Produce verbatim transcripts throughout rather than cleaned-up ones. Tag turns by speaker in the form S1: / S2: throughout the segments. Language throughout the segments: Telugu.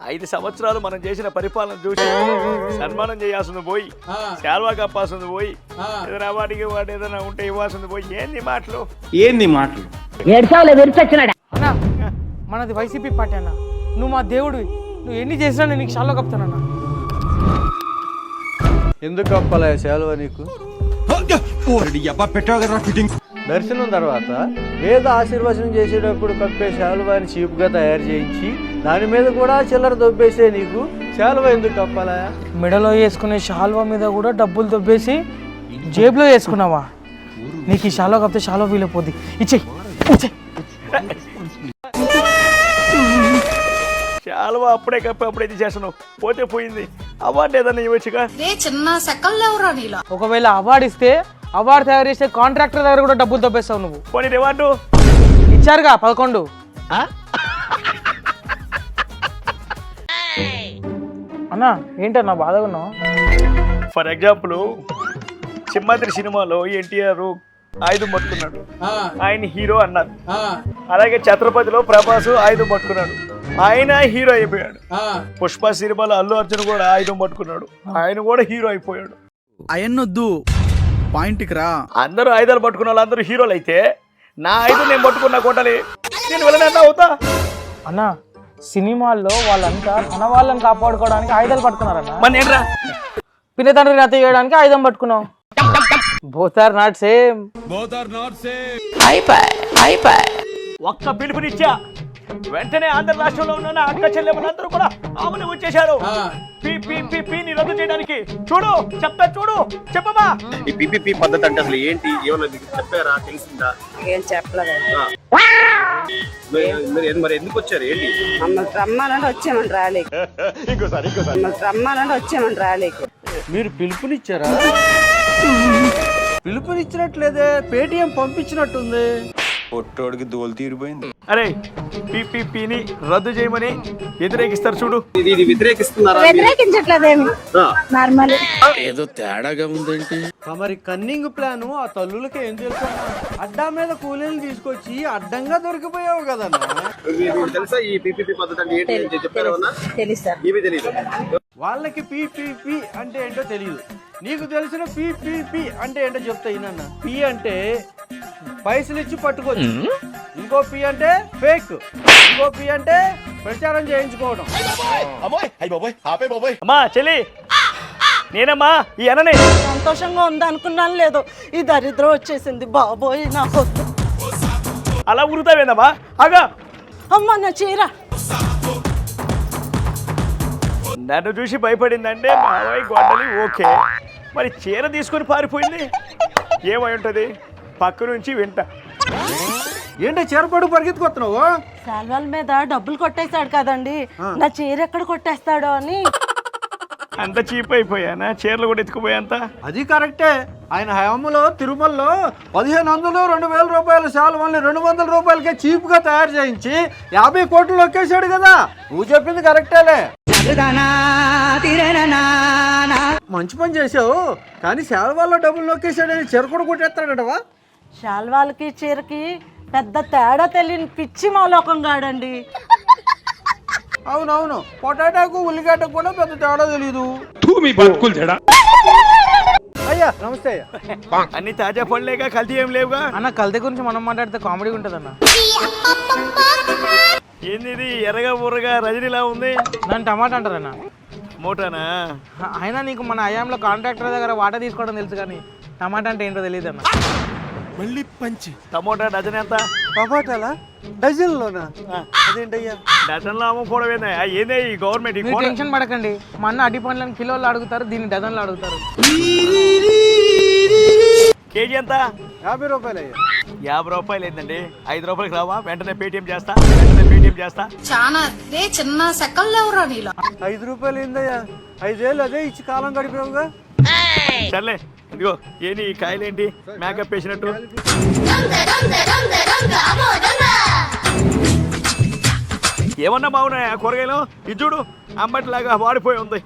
S1: ఐదు సంవత్సరాలు మనం చేసిన పరిపాలన చూసి సన్మానం చేయాల్సింది పోయి శాల్వా కప్పాల్సింది పోయి ఏదైనా వాటికి వాటి ఏదైనా ఉంటే ఇవ్వాల్సింది పోయి ఏంది మాటలు
S2: ఏంది మాటలు
S3: అన్నా మనది వైసీపీ పార్టీ అన్న, నువ్వు మా దేవుడివి, నువ్వు ఎన్ని చేసినా నేను నీకు షాల్లో కప్తానన్నా.
S4: ఎందుకు కప్పాలా శాలువా నీకు? దర్శనం తర్వాత వేద ఆశీర్వచనం చేసేటప్పుడు కప్పే శాలువాని చీపుగా తయారు చేయించి దాని మీద కూడా చిల్లర దొబ్బేసే నీకు శాలువా ఎందుకు కప్పాలా?
S3: మెడలో వేసుకునే షాల్వా మీద కూడా డబ్బులు దొబ్బేసి జేబులో వేసుకున్నావా? నీకు ఈ షాల్వా కప్పితే షాల్వా వీలైపోద్ది. ఇచ్చేయి ఇచ్చేయి.
S1: శాల్వా అప్పుడే కప్పి అప్పుడే చేస్తున్నావు, పోతే పోయింది. అవార్డు ఏదన్నా ఇవ్వచ్చుగా.
S5: చిన్న సెకల్లేవరా నీలా.
S3: ఒకవేళ అవార్డు ఇస్తే అవార్డు తయారు చేసే కాంట్రాక్టర్ దగ్గర కూడా డబ్బులు దొబ్బేస్తావు నువ్వు.
S1: పోనీ రివార్డు
S3: ఇచ్చారుగా పదకొండు. అన్నా ఏంటన్నా బాధగా ఉన్నావు?
S1: ఫర్ ఎగ్జాంపుల్ సింహాద్రి సినిమాలో ఎన్టీఆర్ ఆయుధం పట్టుకున్నాడు, ఆయన హీరో అన్నారు. అలాగే ఛత్రపతిలో ప్రభాస్ ఆయుధం పట్టుకున్నాడు, ఆయన హీరో అయిపోయాడు. పుష్ప సినిమాలో అల్లు అర్జున్ కూడా ఆయుధం పట్టుకున్నాడు, ఆయన కూడా హీరో అయిపోయాడు.
S6: అయన్నొద్దు, పాయింట్కి రా.
S1: అందరూ ఆయుధాలు పట్టుకున్న వాళ్ళు అందరూ హీరోలు అయితే నా ఆయుధం నేను పట్టుకున్నా కొట్టాలి, నేను వెళ్ళనే అవుతా.
S3: అన్నా సినిమాల్లో వాళ్ళంతా తన వాళ్ళని కాపాడుకోవడానికి ఆయుధాలు పట్టుకున్నారన్న.
S1: మన ఏంట్రా
S3: పిన్న తండ్రి రత చేయడానికి ఆయుధం పట్టుకున్నావు. Both are not same.
S1: ఒక్క పిలుపునిచ్చా వెంటనే ఆంధ్ర రాష్ట్రంలో ఉన్న అక్క చెల్లెమ్మలందరూ కూడా ఆమెను వచ్చేశారు పీపీపీని రద్దు చేయడానికి. చూడు చెప్తా, చూడు చెప్పమా.
S2: ఈ పీపీపీ పద్ధతి అంటే అసలు ఏంటి, ఏమన్నా మీకు చెప్పారా, తెలిసిందా?
S7: ఏం చెప్పలేదు.
S2: మరి ఎందుకు వచ్చారు, ఏంటి?
S7: మమ్మల్ని రమ్మాలంటే వచ్చామని రాలేకు. మమ్మల్ని రమ్మాలంటే వచ్చామని రాలేకు.
S4: మీరు పిలుపునిచ్చారా? పిలుపునిచ్చినట్లేదే, పేటిఎం పంపించినట్టుంది.
S2: పొట్టోడికి దోలు తీరిపోయింది.
S1: అరే పీపీపీని రద్దు చేయమని వ్యతిరేకిస్తారు చూడు.
S2: ఇది ఇది వ్యతిరేకిస్తున్నారా?
S7: వ్యతిరేకించట్లేదేమి, నార్మల్.
S2: ఏదో తేడాగా ఉందేంటి?
S4: మరి కన్నింగ్ ప్లాన్ ఆ తల్లులకి ఏం తెలుసు? అడ్డా మీద కూలీలు తీసుకొచ్చి అడ్డంగా దొరికిపోయావు కదన్నా.
S2: మీకు తెలుసా ఈ పీపీపీ పద్ధతి అంటే ఏంటి చెప్పారా?
S7: తెలుసా?
S2: ఇవి తెలియదు.
S4: వాళ్ళకి పీపీపీ అంటే ఏంటో తెలియదు, నీకు తెలిసిన పీపీపీ అంటే ఏంటో చెప్తా ఇన్న. పీ అంటే పైసలు ఇచ్చి పట్టుకోవచ్చు, ఇంకో పీ అంటే ఫేక్, ఇంకో పీ అంటే ప్రచారం చేయించుకోవడం.
S1: అమ్మా చెల్లి, నేనమ్మా ఈ అననే.
S8: సంతోషంగా ఉందనుకున్నాను, లేదు ఈ దరిద్రం వచ్చేసింది బాబోయ్ నాకు.
S1: అలా ఉరుతావేందమ్మా? అగా
S8: అమ్మ నా చీర.
S1: నన్ను చూసి భయపడిందంటే మావయ్య గొడ్డలి ఓకే, మరి చీర తీసుకొని పారిపోయింది ఏమై ఉంటది? పక్క నుంచి వింట.
S4: ఏంటో చీరపడు పరిగెత్తుకొస్తున్నావు?
S8: శాల్వాల మీద డబ్బులు కొట్టేశాడు కదండి, నా చీర ఎక్కడ కొట్టేస్తాడో అని.
S1: అంత చీప్ అయిపోయానా? చీరలు కూడా ఎత్తుకుపోయాంత.
S4: అది కరెక్టే. ఆయన హయాంలో తిరుమలలో పదిహేను వందలు రెండు వేల రూపాయల శాలువాల్ని రెండు వందల రూపాయలకే చీప్ గా తయారు చేయించి యాభై కోట్లు లొక్కేశాడు కదా. నువ్వు చెప్పింది కరెక్టేలే, మంచి పని చేసావు. కానీ శాలువాల్లో డబ్బులు నొక్కేశాడని చీర కూడా కొట్టేస్తాడటవా?
S8: శాల్వాలకి చీరకి పెద్ద తేడా తెలియని పిచ్చి మాలోకం గాడండి.
S4: అవునవును, పొటాటాకు ఉల్లిగడ్డకు కూడా పెద్ద తేడా తెలీదు. అయ్యా నమస్తే అయ్యా.
S1: అన్ని తాజా పనులేగా, కల్తీ ఏం లేవుగా.
S3: అన్న కల్తీ గురించి మనం మాట్లాడితే కామెడీ ఉంటుంది అన్న.
S1: ఏంది ఇది ఎర్రగా ఊరగా రజనీలా ఉంది?
S3: దాన్ని టమాటా అంటారన్న.
S1: మోటానా?
S3: అయినా నీకు మన అయాంలో కాంట్రాక్టర్ దగ్గర వాటా తీసుకోవడం తెలుసు, కానీ టమాటా అంటే ఏంటో తెలియదు అన్న.
S6: మళ్ళీ పంచి.
S1: టమోటా డజన్ ఎంత?
S4: టమాటాలా డజన్లోనా? అదేంటయ్యా
S1: డజన్లో అమ్ముకోవడం ఏందా? ఏందే ఈ గవర్నమెంట్?
S3: మీరు టెన్షన్ పడకండి, మా అన్న అడ్డి పండ్లను కిలోలు అడుగుతారు, దీన్ని డజన్లు అడుగుతారు.
S1: కేజీ ఎంత?
S4: యాభై రూపాయలు అయ్యా.
S1: యాభై రూపాయలు ఏంటండి? ఐదు రూపాయలకి రావా? వెంటనే పేటిఎం చేస్తా, వెంటనే పేటిఎం చేస్తా.
S5: చాలా రే చిన్న సెకల్లేవరా నీలా.
S4: ఐదు రూపాయలు ఏందయ్యా? ఐదేళ్ళు అదే ఇచ్చి కాలం గడిపావుగా.
S1: సర్లే ఇదిగో, ఏంటి ఈ కాయలేంటి మేకప్ వేసినట్టు? ఏమన్నా బాగున్నాయా కూరగాయలు? ఇది చూడు, అంబటిలాగా వాడిపోయి ఉంది.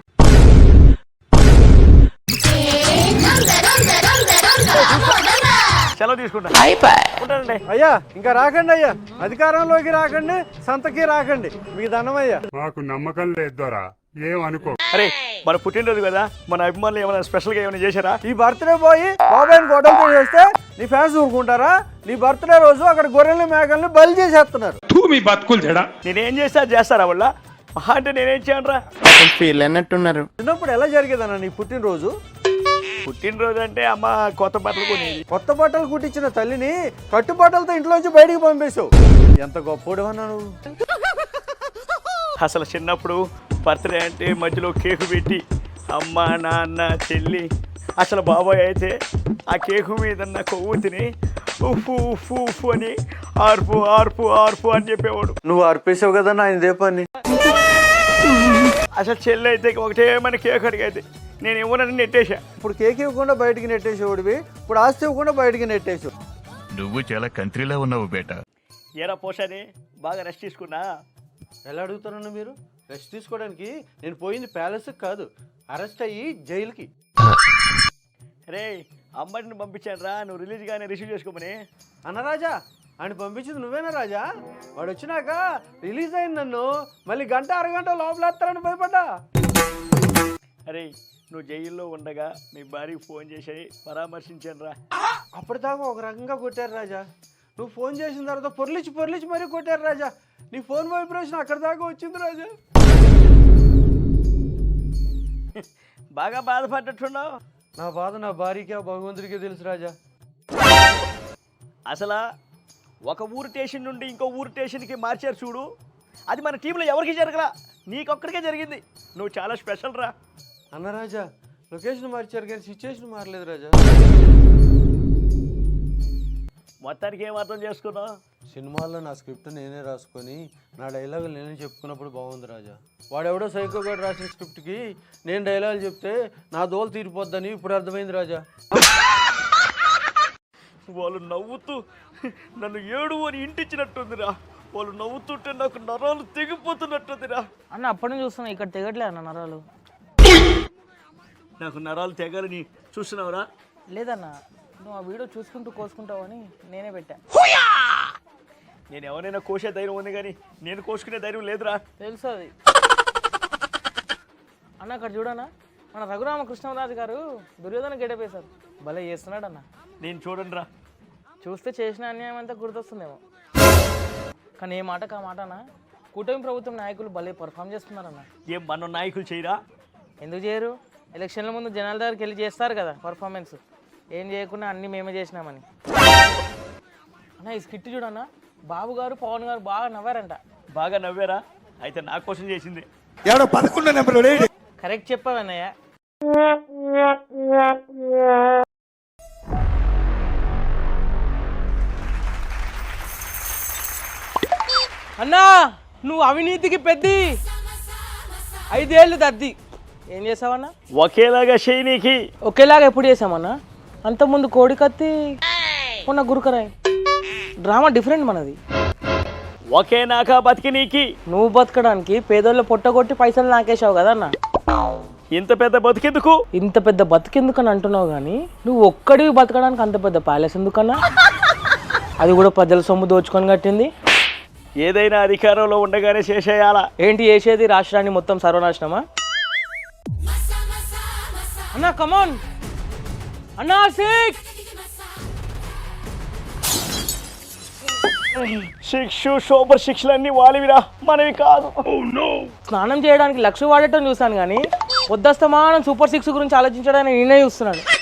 S1: సెలవు తీసుకుంటా ఉంటానండి.
S4: అయ్యా ఇంకా రాకండి అయ్యా, అధికారంలోకి రాకండి, సంతకి రాకండి, మీకు దండమయ్యా.
S9: మాకు నమ్మకం లేదు దొరా, ఏం అనుకో.
S1: అరే మన పుట్టినరోజు కదా, మన అభిమానులు ఏమైనా స్పెషల్ గా ఏమైనా చేశారా?
S4: ఈ బర్త్డే పోయి బాబాయ్ని గొడవతో చేస్తే నీ ఫ్యాన్స్ ఊరుకుంటారా? నీ బర్త్డే రోజు అక్కడ గొర్రెల్ని మేకల్ని బలి చేసేస్తున్నారు.
S9: మీ బతుకులు చెడా.
S1: నేనేం చేస్తా అది చేస్తారా వాళ్ళ మహా అంటే నేనేం చేయను రా.
S2: ఫీల్ అన్నట్టున్నారు.
S4: చిన్నప్పుడు ఎలా జరిగేదన్న నీ పుట్టినరోజు?
S1: పుట్టినరోజు అంటే అమ్మ కొత్త బట్టలు కొనేది.
S4: కొత్త బట్టలు కుట్టించిన తల్లిని కట్టుబట్టలతో ఇంట్లోంచి బయటికి పంపేశావు. ఎంత గొప్పోడు అన్నా నువ్వు.
S1: అసలు చిన్నప్పుడు బర్త్డే అంటే మధ్యలో కేకు పెట్టి అమ్మ నాన్న చెల్లి, అసలు బాబాయ్ అయితే ఆ కేకు మీద ఉన్న కొవ్వు తిని ఉఫు ఉఫు ఉఫు అని ఆర్పు ఆర్పు ఆర్పు అని చెప్పేవాడు.
S4: నువ్వు అర్పేసావు కదా నా ఇదే పని.
S1: అసలు చెల్లి అయితే ఒకటే మన కేక్ అడిగైతే నేను ఇవ్వనని నెట్టేశా.
S4: ఇప్పుడు కేక్ ఇవ్వకుండా బయటికి నెట్టేసేవాడివి, ఇప్పుడు ఆస్తి ఇవ్వకుండా బయటికి నెట్టేసావు.
S10: నువ్వు చాలా కంట్రీలో ఉన్నావు బేటా.
S1: ఏరా పోషాని బాగా రెస్ట్ తీసుకున్నా.
S4: ఎలా అడుగుతారన్న మీరు? రెస్ట్ తీసుకోవడానికి నేను పోయింది ప్యాలెస్కి కాదు, అరెస్ట్ అయ్యి జైలుకి.
S1: రే అమ్మడిని పంపించాను రా, నువ్వు రిలీజ్ గానే రిసీవ్ చేసుకోమని.
S4: అన్న రాజా, ఆయన పంపించింది నువ్వేనా రాజా? వాడు వచ్చినాక రిలీజ్ అయింది నన్ను మళ్ళీ గంట అరగంట లోపలేస్తారని భయపడ్డా.
S1: అరే నువ్వు జైల్లో ఉండగా మీ భార్యకి ఫోన్ చేసి పరామర్శించాను రా.
S4: అప్పటిదాకా ఒక రకంగా కొట్టారు రాజా, నువ్వు ఫోన్ చేసిన తర్వాత పొర్లిచి పొర్లిచి మరీ కొట్టారు రాజా. నీ ఫోన్ వైబ్రేషన్ అక్కడి దాకా వచ్చింది రాజా.
S1: బాగా బాధపడ్డట్టున్నావు.
S4: నా బాధ నా భార్యకి ఆ భగవంతుడికే తెలుసు రాజా.
S1: అసలు ఒక ఊరు స్టేషన్ నుండి ఇంకో ఊరు స్టేషన్కి మార్చారు చూడు, అది మన టీంలో ఎవరికి జరగలా, నీకొక్కడికే జరిగింది. నువ్వు చాలా స్పెషల్ రా.
S4: అన్న రాజా, లొకేషన్ మార్చారు కానీ సిచ్యువేషన్ మారలేదు రాజా.
S1: మొత్తానికి ఏం అర్థం చేసుకున్నావు?
S4: సినిమాల్లో నా స్క్రిప్ట్ నేనే రాసుకొని నా డైలాగులు నేనే చెప్పుకున్నప్పుడు బాగుంది రాజా. వాడెవడో సైకో గారు రాసిన స్క్రిప్ట్కి నేను డైలాగులు చెప్తే నా దోలు తీరిపోద్దని ఇప్పుడు అర్థమైంది రాజా.
S1: వాళ్ళు నవ్వుతూ నన్ను ఏడు అని ఇంటిచ్చినట్టుందిరా. వాళ్ళు నవ్వుతుంటే నాకు నరాలు తెగిపోతున్నట్టుందిరా.
S3: అన్న అప్పటి నుంచి చూస్తున్నా, ఇక్కడ తెగట్లే అన్న నరాలు.
S1: నాకు నరాలు తెగాలని చూస్తున్నావురా?
S3: లేదన్న, నువ్వు ఆ వీడియో చూసుకుంటూ కోసుకుంటావని నేనే పెట్టా.
S1: నేను ఎవరైనా కోసే ధైర్యం ఉంది కానీ నేను కోసుకునే ధైర్యం లేదురా.
S3: తెలుసు అది. అన్న అక్కడ చూడన్నా, మన రఘురామకృష్ణరాజు గారు దుర్యోధన గెటపేశారు, భలే చేస్తున్నాడు అన్న.
S1: నేను చూడండి రా.
S3: చూస్తే చేసిన అన్యాయం అంతా గుర్తొస్తుందేమో, కానీ ఏ మాటకు ఆ మాట అన్న, కూటమి ప్రభుత్వం నాయకులు భలే పర్ఫామ్ చేస్తున్నారన్న.
S1: ఏం మన నాయకులు చేయరా?
S3: ఎందుకు చేయరు? ఎలక్షన్ల ముందు జనాల దగ్గరికి వెళ్ళి చేస్తారు కదా పర్ఫార్మెన్స్, ఏం చేయకుండా అన్నీ మేమే చేసినామని. అన్న ఈ స్కిట్ చూడన్నా, బాబు గారు పవన్ గారు బాగా నవ్వారంట.
S1: బాగా నవ్వారా? అయితే నా కోసం చేసింది.
S3: కరెక్ట్ చెప్పావన్నయ్య. అన్నా నువ్వు అవినీతికి పెద్ది, ఐదేళ్ళు దద్ది. ఏం చేసావన్నా?
S1: ఒకేలాగా చేయనీకి.
S3: ఒకేలాగా ఎప్పుడు చేసామన్నా? అంతకుముందు కోడి కత్తి, ఉన్న గురుకరాయ్. డ్రామా డిఫరెంట్ మనది.
S1: ఒకే నాకా బతికి నీకి.
S3: నువ్వు బతకడానికి పేదోళ్ళు పొట్టగొట్టి పైసలు నాకేసావు కదా అన్న.
S1: ఇంత పెద్ద బతికెందుకు?
S3: ఇంత పెద్ద బతికెందుకని అంటున్నావు కానీ నువ్వు ఒక్కడివి బతకడానికి అంత పెద్ద ప్యాలెస్ ఎందుకన్నా? అది కూడా ప్రజల సొమ్ము దోచుకొని కట్టింది.
S1: ఏదైనా అధికారంలో ఉండగానే చేసేయాలా?
S3: ఏంటి చేసేది? రాష్ట్రాన్ని మొత్తం సర్వనాశనమా? అన్నా కమాన్ అన్నా, సిక్స్
S1: శిక్షు సూపర్ శిక్షలన్నీ వాలివిరా, మనవి కాదు.
S3: స్నానం చేయడానికి లక్ష వాడటం చూసాను కానీ పొద్దుస్తమానం సూపర్ సిక్స్ గురించి ఆలోచించడానికి నేనే చూస్తున్నాను.